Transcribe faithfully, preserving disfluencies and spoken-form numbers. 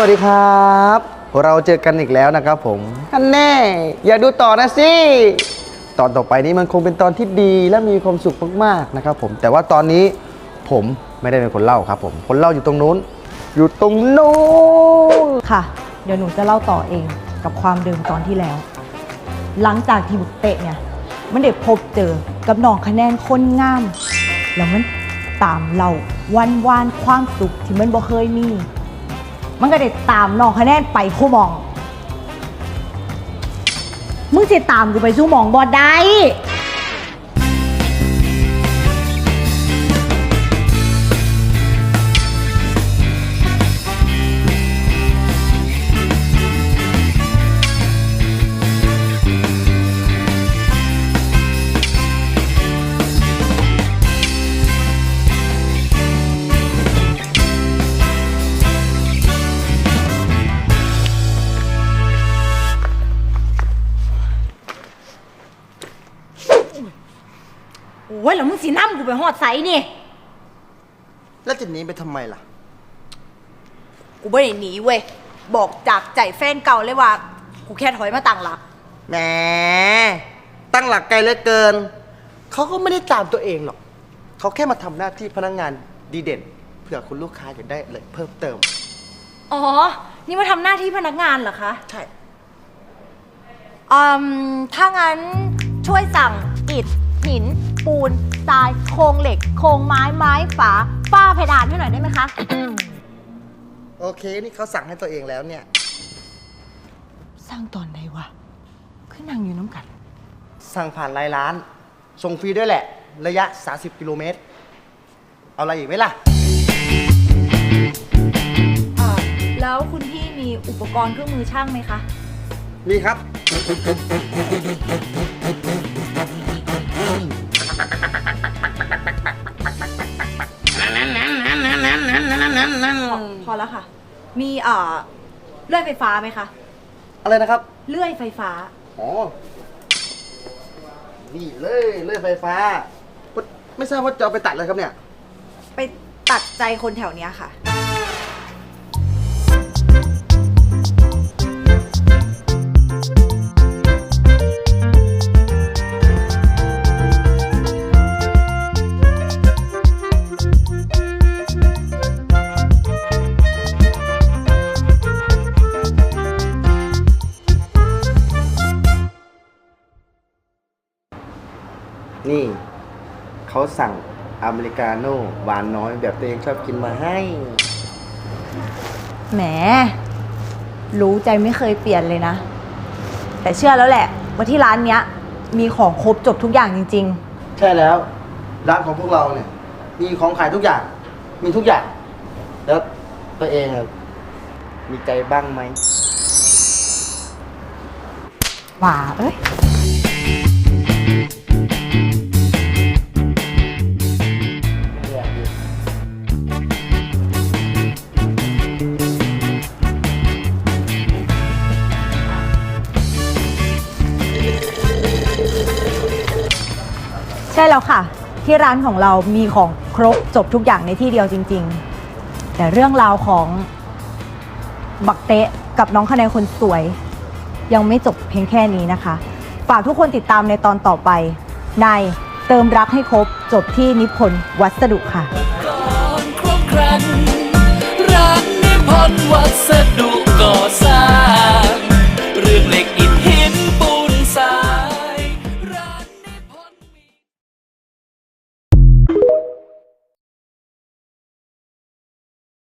วัสดีครับเราเจอกันอีกแล้วนะครับผมท่านแน่อย่าดูต่อนะสิตอนต่อไปนี้มันคงเป็นตอนที่ดีและมีความสุขมากๆนะครับผมแต่ว่าตอนนี้ผมไม่ได้เป็นคนเล่าครับผมคนเล่าอยู่ตรงนู้นอยู่ตรงนู้นค่ะเดี๋ยวหนูจะเล่าต่อเองกับความเดิมตอนที่แล้วหลังจากที่บุกเตะเนี่ยมันได้พบเจอกับน้องคะแนนคนงามแล้วมันตามเราวันวานความสุขที่มันบ่เคยมีมันก็ได้ตามน้องคะแนนไปคู่มองมึงจะตามกูไปสู้มองบ่ได้โอ้ยแล้วมึงสีน้ำกูไปหอดใสนี่แล้วจะหนีไปทำไมล่ะกูไม่ได้หนีเว้ยบอกจากใจแฟนเก่าเลยว่ากูแค่ถอยมาตั้งหลักแหมตั้งหลักไกลเหลือเกินเขาก็ไม่ได้ตามตัวเองหรอกเขาแค่มาทำหน้าที่พนักงานดีเด่นเผื่อคุณลูกค้าอยากได้อะไรเพิ่มเติมอ๋อนี่มาทำหน้าที่พนักงานเหรอคะใช่อืมถ้างั้นช่วยสั่งอิฐหินปูนทรายโครงเหล็กโครงไม้ไม้ฝาฝ้าเพดานให้หน่อยได้ไหมคะโอเคนี่เขาสั่งให้ตัวเองแล้วเนี่ยสั่งตอนไหนวะขึ้นนั่งอยู่น้ำกันสั่งผ่านไลน์ร้านส่งฟรีด้วยแหละระยะสามสิบกิโลเมตรเอาอะไรอีกไหมล่ะแล้วคุณพี่มีอุปกรณ์เครื่องมือช่างไหมคะมีครับพอแล้วค่ะมีเอ่อเลื่อยไฟฟ้าไหมคะอะไรนะครับเลื่อยไฟฟ้าอ๋อนี่เลยเลื่อยไฟฟ้าไม่ทราบว่าจะเอาไปตัดอะไรครับเนี่ยไปตัดใจคนแถวเนี้ยค่ะนี่เขาสั่งอเมริกาโน่หวานน้อยแบบตัวเองชอบกินมาให้แหมรู้ใจไม่เคยเปลี่ยนเลยนะแต่เชื่อแล้วแหละว่าที่ร้านเนี้ยมีของครบจบทุกอย่างจริงๆใช่แล้วร้านของพวกเราเนี่ยมีของขายทุกอย่างมีทุกอย่างแล้วตัวเองมีใจบ้างไหมว่าเอ้ยใช่แล้วค่ะที่ร้านของเรามีของครบจบทุกอย่างในที่เดียวจริงๆแต่เรื่องราวของบักเตะกับน้องคะแนนคนสวยยังไม่จบเพียงแค่นี้นะคะฝากทุกคนติดตามในตอนต่อไปในเติมรักให้ครบจบที่นิพนธ์วัสดุค่ะ